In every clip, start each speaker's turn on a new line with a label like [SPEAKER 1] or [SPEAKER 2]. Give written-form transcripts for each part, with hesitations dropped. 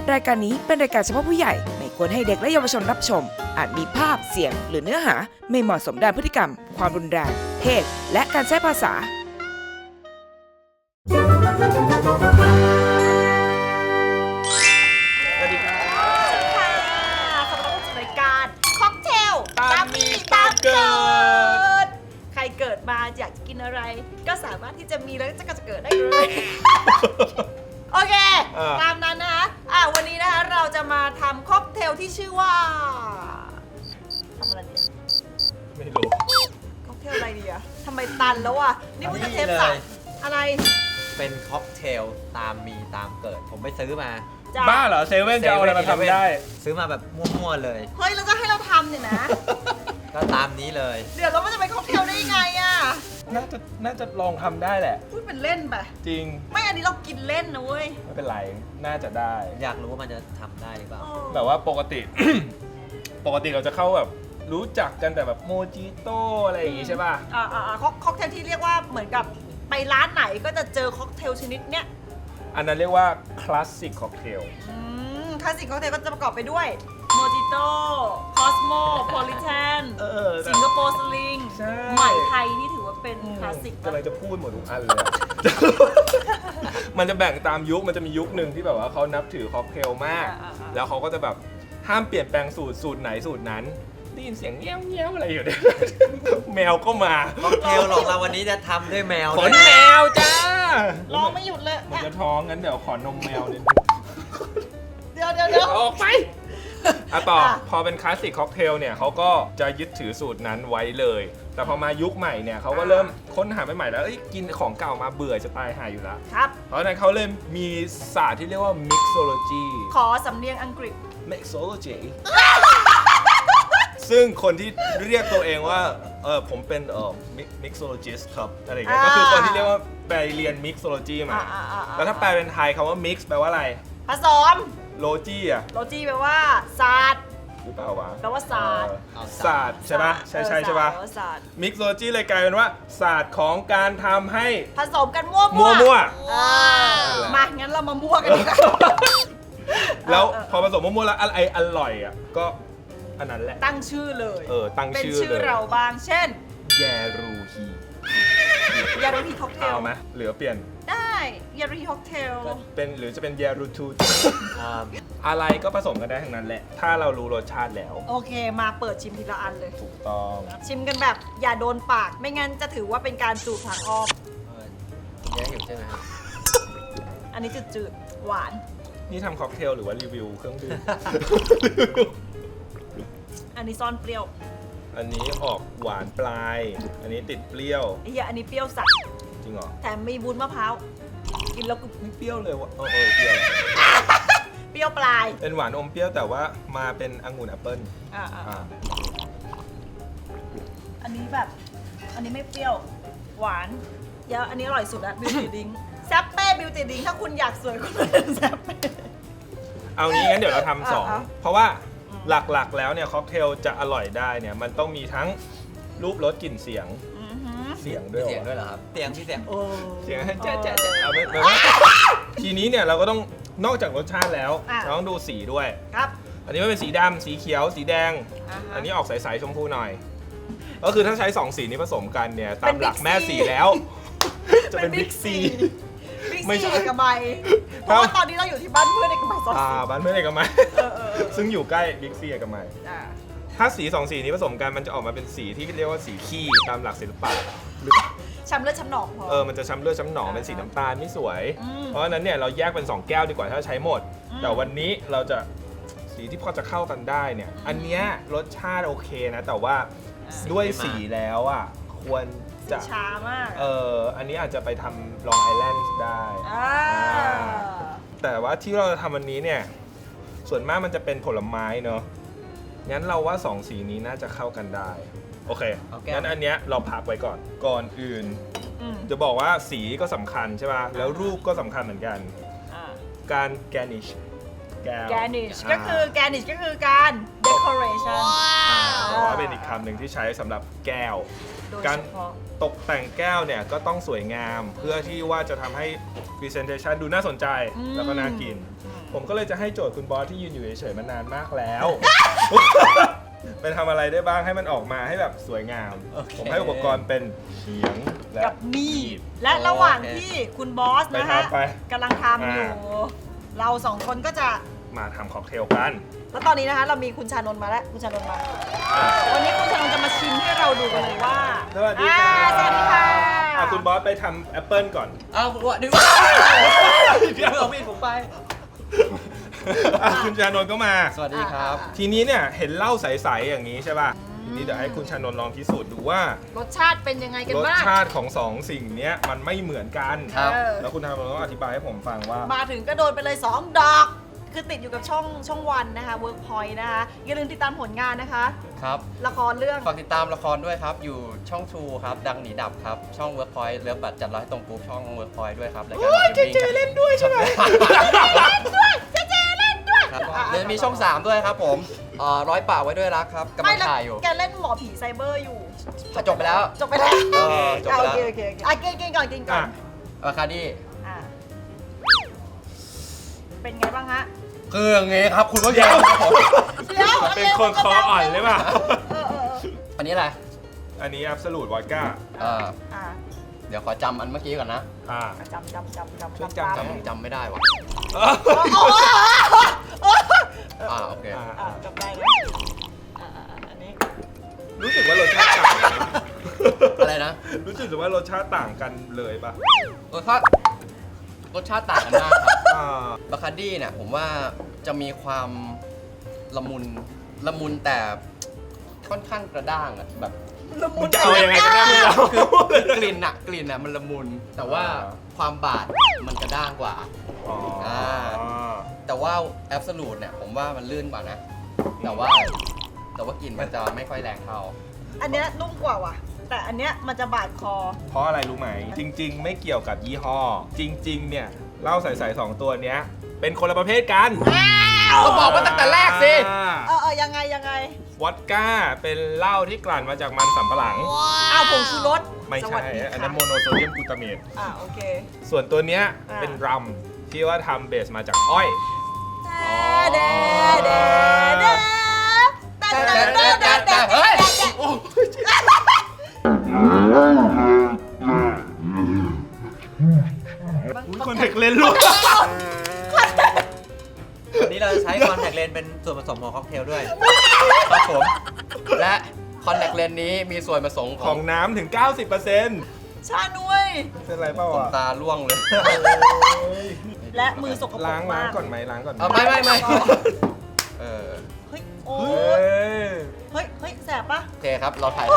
[SPEAKER 1] รายการนี้เป็นรายการเฉพาะผู้ใหญ่ไม่ควรให้เด็กและเยาวชนรับชมอาจมีภาพเสียงหรือเนื้อหาไม่เหมาะสมด้านพฤติกรรมความรุนแรงเพศและการใช้ภาษา
[SPEAKER 2] สวัสดีครับ
[SPEAKER 3] ค่ะขอต้อนรับสู่รายการค็อกเทล
[SPEAKER 2] ตามมีตามเกิด
[SPEAKER 3] ใครเกิดมาอยากจะกินอะไร ก็สามารถที่จะมีแล้วก็จะเกิดได้เลย โอเค ตามนั้นนะคะวันนี้นะคะเราจะมาทำค็อกเทลที่ชื่อว่าทำอะไรดี
[SPEAKER 2] ไม่รู้
[SPEAKER 3] ค็อกเทลอะไรดีอะทำไมตันแล้วอะนี่มันจะเทปสามอะไร
[SPEAKER 4] เป็นค็อกเทลตามมีตามเกิด ผมไปซื้อมา
[SPEAKER 3] จ้ะ
[SPEAKER 2] บ้าเหรอเซเว่นจะเอาอะไรมาทำได้
[SPEAKER 4] ซื้อมาแบบมั่วๆเลย
[SPEAKER 3] เฮ้ยแล้วจะให้เราทำเนี่ยนะ
[SPEAKER 4] ก็ตามนี้เลย
[SPEAKER 3] เดี๋ยวเรามันจะเป็นค็อกเทลได้ยังไงอะ
[SPEAKER 2] น่าจะลองทำได้แหละ
[SPEAKER 3] พูดเป็นเล่นไป
[SPEAKER 2] จริง
[SPEAKER 3] ไม่อันนี้เรากินเล่นนะเว้ย
[SPEAKER 2] ไม่เป็นไร น่าจะได้
[SPEAKER 4] อยากรู้ว่ามันจะทำได้หรือเปล่า
[SPEAKER 2] แบบว่าปกติ ปกติเราจะเข้าแบบรู้จักกันแต่แบบโมจิโต้อะไรอย่างงี้ใช่ป่ะ
[SPEAKER 3] ค็อกเทลที่เรียกว่าเหมือนกับไปร้านไหนก็จะเจอค็อกเทลชนิดเนี้ย
[SPEAKER 2] อันนั้นเรียกว่าคลาสสิกค็อกเทล
[SPEAKER 3] คลาสสิกค็อกเทลก็จะประกอบไปด้วยโมจิโต้คอสโมโพลิแทนสิงคโปร์สลิง
[SPEAKER 2] ใช่
[SPEAKER 3] ใหม่ไทยนี่ถือว่าเป็นคลาสสิก
[SPEAKER 2] กำลังจะพูดหมดทุกอันเลยอะ มันจะแบ่งตามยุค มันจะมียุคหนึ่งที่แบบว่าเขานับถือค็อกเทลมาก แล้วเขาก็จะแบบห้ามเปลี่ยนแปลงสูตรไหนสูตรนั้น ได้ยินเสียงเงี้ยวเงี้ยวอะไรอยู่เนี่ย แมวก็มา
[SPEAKER 4] ค็อกเทลของเราวันนี้จะทำด้วยแมว
[SPEAKER 2] ข
[SPEAKER 4] ด้วน ย
[SPEAKER 2] แมวจ้า
[SPEAKER 3] ร้องไม่หยุดเลย
[SPEAKER 2] มันจะท้องงั้นเดี๋ยวขอนมแมวนิด
[SPEAKER 3] เดี๋ยว
[SPEAKER 2] ออกไปต่อพอเป็นคลาสสิกค็อกเทลเนี่ยเขาก็จะยึดถือสูตรนั้นไว้เลย แต่พอมายุคใหม่เนี่ยเขาก็เริ่มค้นหาใหม่ๆแล้วกินของเก่ามาเบื่อจะตายหายอยู่แล้ว
[SPEAKER 3] ครับ
[SPEAKER 2] เพราะฉะนั้นเขาเลยมีศาสตร์ที่เรียกว่า mixology
[SPEAKER 3] ขอสำเนียงอังกฤษ
[SPEAKER 2] mixology ซึ่งคนที่เรียกตัวเองว่าผมเป็นmixologist ครับอะไรอย่างเงี้ยก็คือคนที่เรียกว่าไปเรียน mixology มา แล้วถ้าแปลเป็นไทยคำว่า mix แปลว่าอะไร
[SPEAKER 3] ผสม
[SPEAKER 2] logy อะ
[SPEAKER 3] โลจีแปลว่าศาสตร์
[SPEAKER 2] หรือเปล่าวะ
[SPEAKER 3] แปลว่าศาสตร์
[SPEAKER 2] ศาสตร์ใช่ปะใช่ใช่ปะ
[SPEAKER 3] แปลว่าศาสตร์
[SPEAKER 2] mixology เลยกลายเป็นว่าศาสตร์ของการทำให้
[SPEAKER 3] ผสมกันมั่ว
[SPEAKER 2] มั่ว
[SPEAKER 3] มางั้นเรามามั่วกันดีกว่า
[SPEAKER 2] แล้วพอผสมมั่วๆแล้วอะไรอร่อยอ่ะก็อันนั้นแหละ
[SPEAKER 3] ตั้งชื่อเลย
[SPEAKER 2] ตั้ง
[SPEAKER 3] เป็น
[SPEAKER 2] ชื่อ
[SPEAKER 3] ชื่อ
[SPEAKER 2] เลย
[SPEAKER 3] เราบ้าง เช่น
[SPEAKER 2] แยรูฮี
[SPEAKER 3] ยารูฮีค็อกเทล
[SPEAKER 2] เอาไหมเหลือเปลี่ยน
[SPEAKER 3] ได้ยารูฮีค็อกเทล
[SPEAKER 2] เป็นหรือจะเป็นแยรูทู
[SPEAKER 4] อ่า
[SPEAKER 2] อะไรก็ผสมกันได้ทั้งนั้นแหละ ถ้าเรารู้รสชาติแล้ว
[SPEAKER 3] โอเคมาเปิดชิมทีละอันเลย
[SPEAKER 2] ถูกต้อง
[SPEAKER 3] ชิมกันแบบอย่าโดนปาก ไม่งั้นจะถือว่าเป็นการสูดทางอ้อม
[SPEAKER 4] เยอะอยู่ใช่ไหมครับ
[SPEAKER 3] อันนี้จืดๆ หวาน
[SPEAKER 2] นี่ทำค็อกเทลหรือว่ารีวิวเครื่องดื่ม
[SPEAKER 3] อันนี้ซ่อนเปรี้ยว
[SPEAKER 2] อันนี้ออกหวานปลาย อันนี้ติดเปรี้ยว
[SPEAKER 3] ไอ้เหี้ยอันนี้เปรี้ยวสัด
[SPEAKER 2] จริงเหรอ
[SPEAKER 3] แถมมีวุ้นมะพร้าว กินแล้วก็
[SPEAKER 2] ไม่เปรี้ยวเลยวะเปรี้ยว
[SPEAKER 3] เปรี้ยวปลาย
[SPEAKER 2] เป็นหวานอมเปรี้ยวแต่ว่ามาเป็นองุ่นแอปเปิ้ล
[SPEAKER 3] อ่า
[SPEAKER 2] อ่า
[SPEAKER 3] อันนี้แบบ อันนี้ไม่เปรี้ยว หวานเดี๋ยวอันนี้อร่อยสุดอะบิวตี้ดิงแซปเป้บิวตี้ดิงถ้าคุณอยากสวยคุณมาเป็นแซปเป้
[SPEAKER 2] เอางี้งั้นเดี๋ยวเราทำสอง
[SPEAKER 3] อ่ะ
[SPEAKER 2] เพราะว่าหลักๆแล้วเนี่ยค็อกเทลจะอร่อยได้เนี่ยมันต้องมีทั้งรูปรสกลิ่นเสียง
[SPEAKER 3] อือหือ
[SPEAKER 2] เสียงด้
[SPEAKER 4] มี
[SPEAKER 2] วย
[SPEAKER 4] เสียงด้วยเหรอครับ เสียง
[SPEAKER 3] โอ้
[SPEAKER 2] เสียงเจ๊เอาไม่ทีนี้เนี่ยเราก็ต้องนอกจากรสชาติแล้วเราต้องดูสีด้วย
[SPEAKER 3] ครับ
[SPEAKER 2] อันนี้มันเป็นสีดำสีเขียวสีแดง
[SPEAKER 3] อ่าฮะ
[SPEAKER 2] อันนี้ออกใสๆชมพูหน่อย ก็คือถ้าใช้2สีนี้ผสมกันเนี่ยตามหลัก
[SPEAKER 3] เป็น Big C
[SPEAKER 2] แม่สีแล้ว จะเป็นบิ๊กซี
[SPEAKER 3] บิ๊ก
[SPEAKER 2] ไม่
[SPEAKER 3] ซี
[SPEAKER 2] ใช่
[SPEAKER 3] เอกมัยเพราะว่าตอนนี้เราอยู่ที่บ้านเพื่อนเอกมัยซอยสิบ
[SPEAKER 2] บ้านเพื่อนเอกมัย
[SPEAKER 3] เออ
[SPEAKER 2] ซึ่งอยู่ใกล้บิ๊กซีเอกมัย
[SPEAKER 3] อ่า
[SPEAKER 2] ถ้าสี2สีนี้ผสมกันมันจะออกมาเป็นสีที่เรียกว่าสีขี้ตามหลักศิลปะหรือ
[SPEAKER 3] ช้ำเลือดช้ำหนองพอ
[SPEAKER 2] มันจะช้ำเลือดช้ำหนองเป็นสีน้ำตาลไม่สวย
[SPEAKER 3] อืม
[SPEAKER 2] เพราะฉะนั้นเนี่ยเราแยกเป็น2แก้วดีกว่าถ้าใช้หมด แต่วันนี้เราจะสีที่พอจะเข้ากันได้เนี่ยอันเนี้ยรสชาติโอเคนะแต่ว่าด้วยสีแล้วอ่ะควรจะ
[SPEAKER 3] ช้ามาก
[SPEAKER 2] อันนี้อาจจะไปทำลองไอแลนด์ได้ แต่ว่าที่เราจะทำวันนี้เนี่ยส่วนมากมันจะเป็นผลไม้เนอะงั้นเราว่า2สีนี้น่าจะเข้ากันได้โอเค
[SPEAKER 4] เอาแก้ว
[SPEAKER 2] งั้นอันเนี้ยเราพักไว้ก่อนอื่น
[SPEAKER 3] อืม
[SPEAKER 2] จะบอกว่าสีก็สำคัญใช่ป่ะแล้วรูปก็สำคัญเหมือนกัน
[SPEAKER 3] อ่า
[SPEAKER 2] การ garnish แก้ว
[SPEAKER 3] แกนิชก็คือการเดค decoration
[SPEAKER 2] แต่ว่าเป็นอีกคำหนึ่งที่ใช้สำหรับแก้ว
[SPEAKER 3] โดย
[SPEAKER 2] การ
[SPEAKER 3] เฉพาะ
[SPEAKER 2] ตกแต่งแก้วเนี่ยก็ต้องสวยงามเพื่อที่ว่าจะทำให้ presentation ดูน่าสนใจแล้วก็น่ากิน ผมก็เลยจะให้โจทย์คุณบอสที่ยืนอยู่เฉยๆมานานมากแล้ว ไปทำอะไรได้บ้างให้มันออกมาให้แบบสวยงาม
[SPEAKER 4] โอเค
[SPEAKER 2] ผมให้อุปกรณ์เป็นเขียงและ
[SPEAKER 3] กับมีดและระหว่างที่คุณบอสนะฮะ
[SPEAKER 2] ไป
[SPEAKER 3] กำลังทำอยู่ เราสองคนก็จะ
[SPEAKER 2] มาทำค็อกเทลกัน
[SPEAKER 3] แล้วตอนนี้นะคะเรามีคุณชานนท์มาแล้วคุณชานนท์มา วันนี้คุณชานนท์จะมาชิมให้เราดูกันเลยว่า
[SPEAKER 2] สวัสดีค่ะ
[SPEAKER 3] สวัสดีค่ะ
[SPEAKER 2] คุณบอสไปทำแอปเปิลก่อน
[SPEAKER 4] อ้าววะดึงเดี๋ยวเอามีดผมไป
[SPEAKER 2] คุณชานนท์ก็มา
[SPEAKER 4] สวัสดีครับ
[SPEAKER 2] ทีนี้เนี่ยเห็นเหล้าใสๆอย่างนี้ใช่ป่ะ ทีนี้เดี๋ยวให้คุณชานนท์ลองพิสูจน์ดูว่าร
[SPEAKER 3] สชาติเป็นยังไงกัน
[SPEAKER 2] รส
[SPEAKER 3] บ้าง
[SPEAKER 2] ชาติของสองสิ่งเนี้ยมันไม่เหมือนกัน
[SPEAKER 4] ครับ
[SPEAKER 3] เออ
[SPEAKER 2] แล้วคุณชานนท์ต้องอธิบายให้ผมฟังว่า
[SPEAKER 3] มาถึงก็โดนไปเลย 2 ดอก คือติดอยู่กับช่องวันนะคะ Workpoint นะคะ อย่าลืมติดตามผลงานนะคะ
[SPEAKER 4] ครับ
[SPEAKER 3] ละครเรื่อง
[SPEAKER 4] ฝากติดตามละครด้วยครับ อยู่ช่อง True ครับ ดังหนีดับครับ ช่อง Workpoint เลิฟบัตรจัดร้อยตรงกรุ๊ปช่อง Workpoint ด้วยครับรายการเจเล่นด้วยใช่ไหมเจเล่นด้วยครับเดี๋ยวมีช่อง 3 ด้วยครับผมร้อยป่าไว้ด้วยรักครับกำลั
[SPEAKER 3] ไม่
[SPEAKER 4] ง
[SPEAKER 3] แล้ว
[SPEAKER 4] ถ่ายอยู่
[SPEAKER 3] แกเล่นหมอผีไซเบอร์อยู่
[SPEAKER 4] จบไปแล้ว
[SPEAKER 3] จบไปแล้ว
[SPEAKER 4] จบไปแล้ว
[SPEAKER 3] โอเคอ่ะกินก่อนกินก่อน
[SPEAKER 2] อ่ะ
[SPEAKER 4] คาดี้
[SPEAKER 3] อ่ะเป็นไงบ้างฮะ
[SPEAKER 4] คืออย่างงี้ครับคุณผู้ชมครับผม
[SPEAKER 3] เดี๋ยว
[SPEAKER 2] มันเป็นคนคออ่อนหรือเปล่า
[SPEAKER 4] อันนี้อะไร
[SPEAKER 2] อันนี้ Absolute Vodka
[SPEAKER 3] อ่ะ
[SPEAKER 4] เดี๋ยวขอจำอันเมื่อกี้ก่อนนะ
[SPEAKER 2] อ่า
[SPEAKER 3] จำ
[SPEAKER 2] ช่วยจำ
[SPEAKER 4] จำไม่ได้ว่ะ โอเค
[SPEAKER 3] จำได้เลยอันนี้
[SPEAKER 2] รู้สึกว่ารสชาติต่างกัน
[SPEAKER 4] อะไรนะ
[SPEAKER 2] รู้สึกว่ารสชาติต่างกันเลยป่ะ
[SPEAKER 4] รสชาติต่างกันมากครับ
[SPEAKER 2] อ่า
[SPEAKER 4] บาคาร์ดี้เนี่ยผมว่าจะมีความละมุนแต่ค่อนข้างกระด้างอะแบบ
[SPEAKER 3] ละมุน
[SPEAKER 2] จะเอายังไงก็ได้ไม่รู้
[SPEAKER 4] คือกลิ่นอะมันละมุน แต่ว่าความบาดมันกระด้างกว่า
[SPEAKER 2] อ๋ออ่า
[SPEAKER 4] แต่ว่าแอบสูตเนี่ยผมว่ามันลื่นกว่านะ แต่ว่ากลิ่นมันจะไม่ค่อยแรงเท่า
[SPEAKER 3] อันเนี้ยนุ่มกว่าว่ะ แต่อันเนี้ยมันจะบาดคอ
[SPEAKER 2] เพราะอะไรรู้ไหม จริง ๆ ไม่เกี่ยวกับยี่ห้อ จริง ๆ เนี่ยเหล้าใสๆ2 ตัวเนี้ย เป็นคนละประเภทกัน
[SPEAKER 4] ก็บอกว่าตั้งแต่แรกสิ
[SPEAKER 3] ยังไง
[SPEAKER 2] วอดก้าเป็นเหล้าที่กลั่นมาจากมันสำปะหลัง
[SPEAKER 3] อ้าวผงชูรส
[SPEAKER 2] ไม่
[SPEAKER 3] ส
[SPEAKER 2] ใช่
[SPEAKER 3] วัสดี
[SPEAKER 2] อัน
[SPEAKER 3] ค่ะ
[SPEAKER 2] นั้นโมโนโซเดียมกลูตาเมต
[SPEAKER 3] โอเค
[SPEAKER 2] ส่วนตัวเนี้ย
[SPEAKER 3] อ่า
[SPEAKER 2] เป็นรัมที่ว่าทำเบสมาจากอ้อย
[SPEAKER 4] เฮ้ย
[SPEAKER 2] คนเทคเลนลูก
[SPEAKER 5] วันนี้เราจะใช้คอนแทคเลนส์เป็นส่วนผสมของค็อกเทลด้วย
[SPEAKER 4] ครับผม และคอนแทคเลนส์นี้มีส่วนผสมข
[SPEAKER 2] ข
[SPEAKER 4] อ
[SPEAKER 2] อง งน้ำถึง 90%
[SPEAKER 3] ชานุ้ย
[SPEAKER 2] เป็นไรเปล่า
[SPEAKER 4] ผม
[SPEAKER 2] อ่ะ
[SPEAKER 4] ตาล่วงเลย
[SPEAKER 3] และมือสกปรก
[SPEAKER 2] ล้าง
[SPEAKER 3] มาก
[SPEAKER 2] ก่อนไหมล้างก่อนไหม
[SPEAKER 4] ไม่เออ
[SPEAKER 3] เฮ้ย โอ้
[SPEAKER 2] เฮ้ย
[SPEAKER 3] เฮ้ย แสบปะ
[SPEAKER 4] โอเคครับ เราถ่าย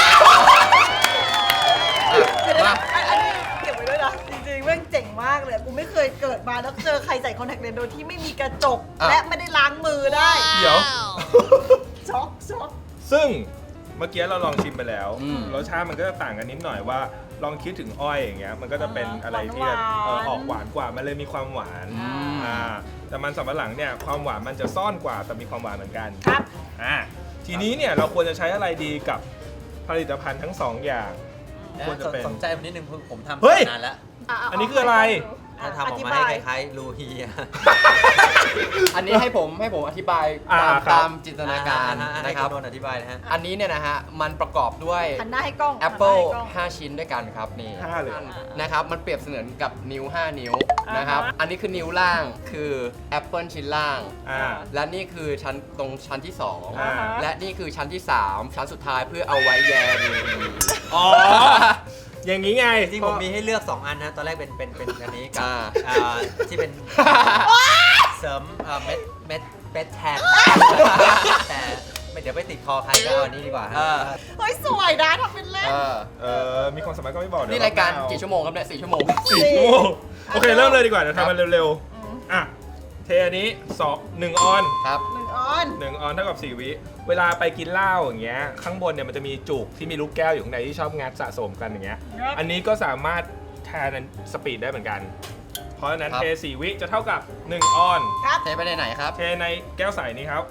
[SPEAKER 4] มา
[SPEAKER 3] อันนี้เก็บไว้ด้วยนะ จริงๆแม่งเจ๋งมากเลย กูไม่เคยเกิดมาแล้วเจอใครใส่คอนแทคเลนส์โดยที่ไม่มีกระจก และไม่ได้ล้างมือได้
[SPEAKER 2] เดี๋ยว
[SPEAKER 3] ช็อก
[SPEAKER 2] ซึ่งเมื่อกี้เราลองชิมไปแล้ว
[SPEAKER 4] อืม
[SPEAKER 2] รสชาติมันก็จะต่างกันนิดหน่อยว่า ลองคิดถึงอ้อยอย่างเงี้ยมันก็จะเป็นอะไรที่แบบออกหวานกว่ามันเลยมีความหวานแต่มันสำปะหลังเนี่ยความหวานมันจะซ่อนกว่าแต่มีความหวานเหมือนกัน
[SPEAKER 3] ครับ
[SPEAKER 2] ทีนี้เนี่ยเราควรจะใช้อะไรดีกับผลิตภัณฑ์ทั้งสองอย่าง ควรจะเป็น
[SPEAKER 5] สนใจผมนิดนึงผมทำ
[SPEAKER 2] เฮ้ย
[SPEAKER 5] นานแล้ว
[SPEAKER 2] อันนี้คืออะไร
[SPEAKER 5] ถ้าทำออกมาให้คล้ายๆลูฮีอะ
[SPEAKER 4] อันนี้ให้ผมอธิบาย
[SPEAKER 2] ครับ
[SPEAKER 4] ตามจินตนาการ
[SPEAKER 5] ให้
[SPEAKER 4] นะครับ
[SPEAKER 5] ณนนท์อธิบายนะฮะ
[SPEAKER 4] อันนี้เนี่ยนะฮะ มันประกอบด้วย
[SPEAKER 3] หันหน้าให้กล้อง
[SPEAKER 4] Apple
[SPEAKER 3] หันหน้าให้กล้อง
[SPEAKER 4] 5 ชิ้นด้วยกันครับนี่
[SPEAKER 2] 5เลย
[SPEAKER 4] นะครับ มันเปรียบเสมือนกับนิ้ว 5 นิ้ว
[SPEAKER 3] อ่าฮะ
[SPEAKER 4] นะครับ อันนี้คือนิ้วล่างคือ Apple ชิ้นล่าง และนี่คือชั้นที่
[SPEAKER 2] อ่า
[SPEAKER 4] 2 และนี่คือชั้นที่ 3 ชั้นสุดท้ายเพื่อเอาไว้แยม
[SPEAKER 2] อ๋อ อย่างนี้ไง
[SPEAKER 5] จริงๆผมมีให้เลือก 2 อันนะ ตอนแรกเป็นอันนี้กับที่เป็นเสริมเม็ดแทนแต่เดี๋ยวไปติดคอใครก็เอาอันนี้ดีกว่าฮะ
[SPEAKER 3] เฮ้ย สวยนะทำเป็นเล่น
[SPEAKER 2] มีความสามารถก็ไม่บอกเดี๋ยว
[SPEAKER 4] นี่รายการ
[SPEAKER 2] เอ
[SPEAKER 4] กี่ชั่วโมงครับเนี่ย4 ชั่วโมง
[SPEAKER 2] 4 ชั่วโมงโอเค เริ่มเลยดีกว่าเดี๋ยวทำมันเร็วๆ อ่ะ เทอันนี้1 ออน
[SPEAKER 4] ครับ
[SPEAKER 3] 1 ออน
[SPEAKER 2] 1 ออนเท่ากับ 4 วิ เวลาไปกินเหล้าอย่างเงี้ย ข้างบนเนี่ยมันจะมีจุกที่มีลูกแก้วอยู่ข้างในที่ชอบงัดสะสมกันอย่างเงี้ย
[SPEAKER 3] ครับ
[SPEAKER 2] อันนี้ก็สามารถแทนสปีดได้เหมือนกัน เพราะฉะนั้น
[SPEAKER 4] ครับ
[SPEAKER 2] เท4 วิจะเท่ากับ1 ออน
[SPEAKER 3] ครับ
[SPEAKER 4] เทไปไหนครับ
[SPEAKER 2] เทในแก้วใสนี้ครับ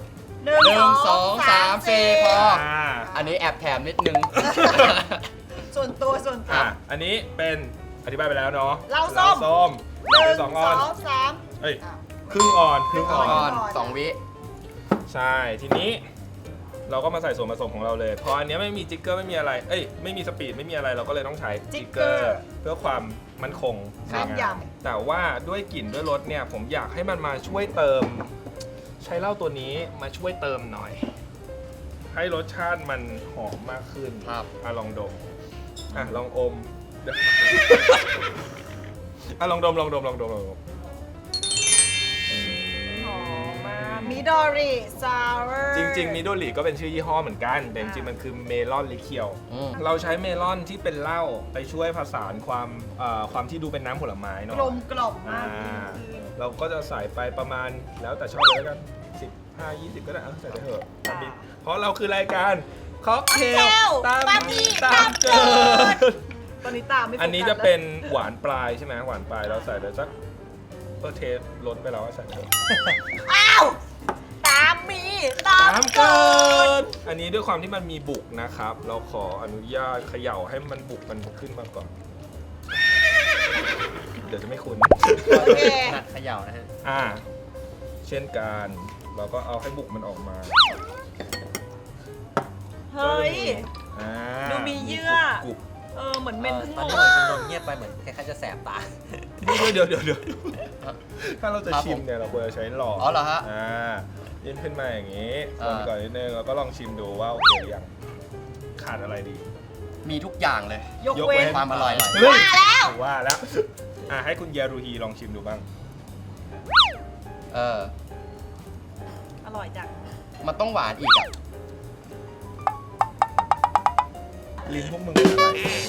[SPEAKER 3] 1
[SPEAKER 4] 2 3 4 พอ
[SPEAKER 2] อ่า
[SPEAKER 4] อันนี้แอบแถมนิดนึง
[SPEAKER 3] ส่วนตัว
[SPEAKER 2] อันนี้เป็นอธิบายไปแล้วเนาะ
[SPEAKER 3] เหล้าส้ม
[SPEAKER 2] ส้ม
[SPEAKER 3] 1
[SPEAKER 2] สองออน
[SPEAKER 3] 2 3
[SPEAKER 2] เอ้ยครึ่งออนครึ่งอ
[SPEAKER 3] ครึ่ง
[SPEAKER 2] อน
[SPEAKER 4] 2 วิ
[SPEAKER 2] ใช่ ทีนี้เราก็มาใส่ส่วนผสมของเราเลยเพราะอันเนี้ยไม่มีจิกเกอร์ไม่มีอะไรไม่มีสปีดไม่มีอะไรเราก็เลยต้องใช้จิกเกอร์เพื่อความมั่นคง
[SPEAKER 3] แม่นย
[SPEAKER 2] แต่ว่าด้วยกลิ่นด้วยรสเนี่ยผมอยากให้มันมาช่วยเติม ใช้เหล้าตัวนี้มาช่วยเติมหน่อย ให้รสชาติมันหอมมากขึ้น
[SPEAKER 4] ครับ
[SPEAKER 2] ลองดมลองอมเดี๋ยวลองดม
[SPEAKER 3] หอมมากมิดอริซาวเวอร์
[SPEAKER 2] จริงๆมิโดริก็เป็นชื่อยี่ห้อเหมือนกันแต่จริงๆมันคือเมลอนลิเคียว
[SPEAKER 4] อืม
[SPEAKER 2] เราใช้เมลอนที่เป็นเหล้าไปช่วยผสานความที่ดูเป็นน้ำผลไม้เนาะ
[SPEAKER 3] กลมกล่อมมา
[SPEAKER 2] อ่าก เราก็จะใส่ไปประมาณแล้วแต่ชอบเลยแล้วกัน15 20ก็ได้ใส่ไปเถอะเพราะเราคือรายการค็อกเทลตามเกิด
[SPEAKER 3] ตอนนี้ตามไม่โฟกัส
[SPEAKER 2] อันนี้จะเป็นหวานปลายใช่ไหมหวานปลายเราใส่ไปสักเทสล้นไปแล้วก็ใส่เถอะ
[SPEAKER 3] อ้าวตามมีตามเกิด
[SPEAKER 2] อันนี้ด้วยความที่มันมีบุกนะครับ เราขออนุญาตเขย่าให้มันบุกมันขึ้นมาก่อน เดี๋ยวจะไม่คุ้น
[SPEAKER 3] โอเค
[SPEAKER 5] นัดเขย่านะฮะ
[SPEAKER 2] เช่นกันเราก็เอาให้บุกมันออกมา
[SPEAKER 3] เฮ้ย
[SPEAKER 2] อ่า
[SPEAKER 3] ดูมีเยื่อ
[SPEAKER 2] กรุบ
[SPEAKER 3] เหมือนเมนเพิ่ง
[SPEAKER 5] ตอน
[SPEAKER 3] หม
[SPEAKER 5] นี้
[SPEAKER 3] ด
[SPEAKER 5] เหมือนคุณนนท์เงียบไปเหมือนคล้ายๆจะแสบตา
[SPEAKER 2] เดี๋ยวถ้าเราจะ
[SPEAKER 4] ครับ
[SPEAKER 2] ชิมเนี่ยเราควรจะใช้หลอด
[SPEAKER 4] อ๋อเหรอฮะ
[SPEAKER 2] ยื่นขึ้นมาอย่างนี้คน
[SPEAKER 4] อ่า
[SPEAKER 2] ก่อนนิดนึงแล้วก็ลองชิมดูว่าโอเคหรือยังขาดอะไรดี
[SPEAKER 4] มีทุกอย่างเลย
[SPEAKER 3] ยกเว้น
[SPEAKER 4] ความอร่อย
[SPEAKER 2] เฮ้ย
[SPEAKER 3] ว่าแล้ว
[SPEAKER 2] ว่าแล้วให้คุณเยารูฮีลองชิมดูบ้าง
[SPEAKER 3] อร่อยจัง
[SPEAKER 4] มันต้องหวานอีกอ่ะ
[SPEAKER 2] ลิ้นพวกมึงเป็นอะไร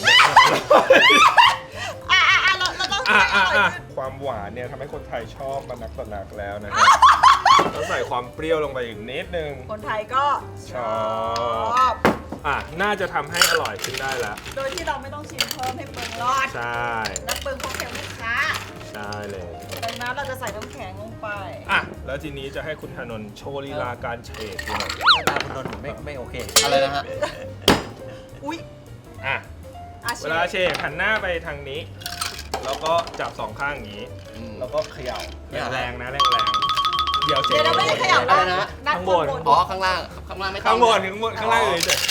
[SPEAKER 3] เราต้องให้อร่อยขึ้น
[SPEAKER 2] ความหวานเนี่ยทำให้คนไทยชอบมานักต่อนักแล้วนะฮะต้องใส่ความเปรี้ยวลงไปอีกนิดนึง
[SPEAKER 3] คนไทยก็
[SPEAKER 2] ชอบ น่าจะทำให้อร่อยขึ้นได้แล้ว
[SPEAKER 3] โดยที่เราไม่ต้องชิมเพิ่มให้เปลืองรอด
[SPEAKER 2] ใช่
[SPEAKER 3] และเปลืองค็อกเทลลูกค้า
[SPEAKER 2] ใช่เลย
[SPEAKER 3] ดังนั้นเราจะใส่น้ำแข็งลงไป
[SPEAKER 2] แล้วทีนี้จะให้คุณธนนท์โชว์ลีลาการเฉดดูหน่อย
[SPEAKER 5] หน้าตาคุณนนท์ผมไม่โอเค
[SPEAKER 4] อะไรนะฮะ
[SPEAKER 3] อุ๊ย
[SPEAKER 2] เวลาเฉดหันหน้าไปทางนี้ แล้วก็จับสองข้างอย่างนี้
[SPEAKER 4] อืม
[SPEAKER 2] แล้วก็เขย่า
[SPEAKER 4] เนี่ย
[SPEAKER 2] แรงๆนะแรงๆเดี๋ยวเฉด
[SPEAKER 3] เดี๋ยวเราไม่ได้ขยับ
[SPEAKER 4] อะไรนะ
[SPEAKER 3] ด้าน
[SPEAKER 2] ข้างบน
[SPEAKER 4] อ๋อ ข้างล่าง ข้างล่างไม่ต้อง
[SPEAKER 2] ข้างบนข้างล่างเลยเฉย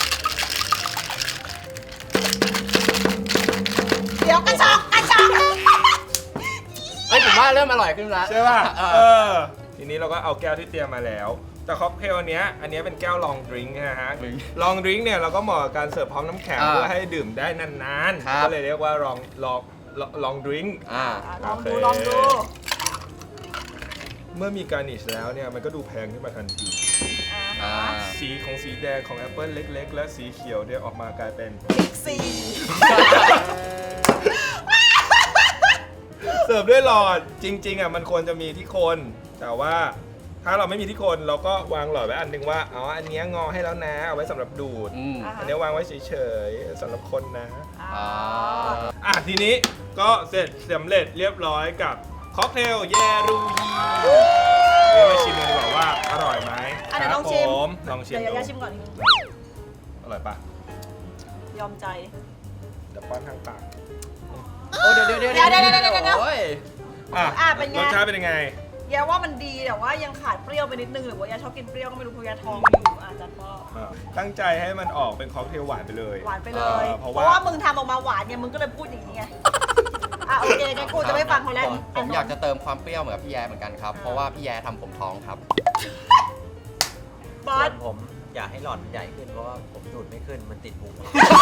[SPEAKER 3] เดี๋ยวกระชอก
[SPEAKER 4] เฮ้ยผมว่าเริ่มอร่อยขึ้นแล้ว
[SPEAKER 2] ใช่ป่ะ
[SPEAKER 4] เออ
[SPEAKER 2] ทีนี้เราก็เอาแก้วที่เตรียมมาแล้ว แต่ค็อกเทลอันเนี้ยเป็นแก้วลองดริงก์นะฮะ
[SPEAKER 4] Drink
[SPEAKER 2] ลองดริงก์เนี่ยเราก็เหมาะกับการเสิร์ฟพร้อมน้ำแข็ง
[SPEAKER 4] อ่า
[SPEAKER 2] เพื่อให้ดื่มได้นาน
[SPEAKER 4] ครับ
[SPEAKER 2] ๆ ก็เลยเรียกว่าลองดริงก์
[SPEAKER 3] ลองดู
[SPEAKER 2] เมื่อมีการนิชแล้วเนี่ยมันก็ดูแพงขึ้นมาทันที
[SPEAKER 4] อ่า
[SPEAKER 2] สีแดงของแอปเปิลเล็ก ๆ และสีเขียวเนี่ยออกมากลายเป็น
[SPEAKER 3] พิกซี่
[SPEAKER 2] เสิร์ฟด้วยหลอดจริงๆมันควรจะมีที่โคน แต่ว่าถ้าเราไม่มีที่โคนเราก็วางหลอดไว้อันหนึงว่าอันเนี้ยงอให้แล้วนะเอาไว้สำหรับดูด
[SPEAKER 4] อืม
[SPEAKER 2] อันเนี้ยวางไว้เฉยๆสำหรับคนนะ
[SPEAKER 4] อ่า
[SPEAKER 2] ทีนี้ก็เสร็จสำเร็จเรียบร้อยกับค็อกเทลเยรูยีเดี๋ยวมาชิมกันดีกว่าว่าอร่อยไหม
[SPEAKER 3] เดี๋ยวลอง
[SPEAKER 2] ครับ
[SPEAKER 3] ชิม
[SPEAKER 2] ผมลองชิม
[SPEAKER 3] เดี๋ยว
[SPEAKER 2] ดู
[SPEAKER 3] ยาชิมก่อนนิดนึง
[SPEAKER 2] อร่อยปะ
[SPEAKER 3] ยอมใจ
[SPEAKER 2] เดี๋ยวป้อนทางปาก
[SPEAKER 4] โอ้เดี๋ยว
[SPEAKER 3] เดี๋ยว
[SPEAKER 4] โอ้ย
[SPEAKER 3] เป็นไง
[SPEAKER 2] รสชาติเป็นยังไง
[SPEAKER 3] ยาว่ามันดีแต่ว่ายังขาดเปรี้ยวไปนิดนึงหรือว่ายาชอบกินเปรี้ยวก็ไม่รู้เพราะยาท้องอยู่จัดพ่อ
[SPEAKER 2] ตั้งใจให้มันออกเป็นค็อกเทลหวานไปเลย
[SPEAKER 3] หวานไปเลย
[SPEAKER 2] เพราะ
[SPEAKER 3] เพ
[SPEAKER 2] ว่า
[SPEAKER 3] ราะว่ามึงทำออกมาหวานเนี่ยมึงก็เลยพูดอย่างนี้ไงโอเคงั้นกูจะไม่ฟังเขาแล้ว
[SPEAKER 4] ผมอยากจะเติมความเปรี้ยวเหมือนกับพี่แย้เหมือนกันครับ เพราะว่าพี่แย้ทำผมท้องครับ
[SPEAKER 3] บอส
[SPEAKER 5] ผมอยากให้หลอดมันใหญ่ขึ้นเพราะว่าผมดูดไม่ขึ้นมันติดพุง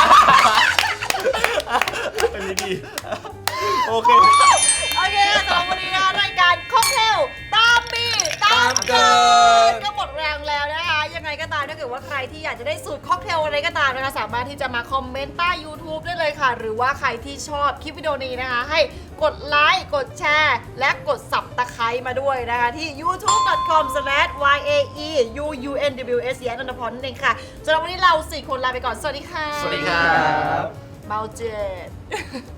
[SPEAKER 2] อันนี้ดีโอเค
[SPEAKER 3] โอเคสำหรับวันนี้นะรายการค็อกเทลตามมีตามเกิดก็หมดแรงแล้วนะคะยังไงก็ตามถ้าเกิดว่าใครที่อยากจะได้สูตรค็อกเทลอะไรก็ตามนะคะสามารถที่จะมาคอมเมนต์ใต้ YouTube ได้เลยค่ะ หรือว่าใครที่ชอบคลิปวิดีโอนี้นะคะ ให้กดไลค์กดแชร์และกดสับตะไคร้มาด้วยนะคะที่ youtube.com/yaeunws แยนนทพรนั่นเองค่ะสำหรับวันนี้เรา4 คนลาไปก่อนสวัสดีค่ะ
[SPEAKER 4] สวัสดีครับ
[SPEAKER 3] เมาเจ็ด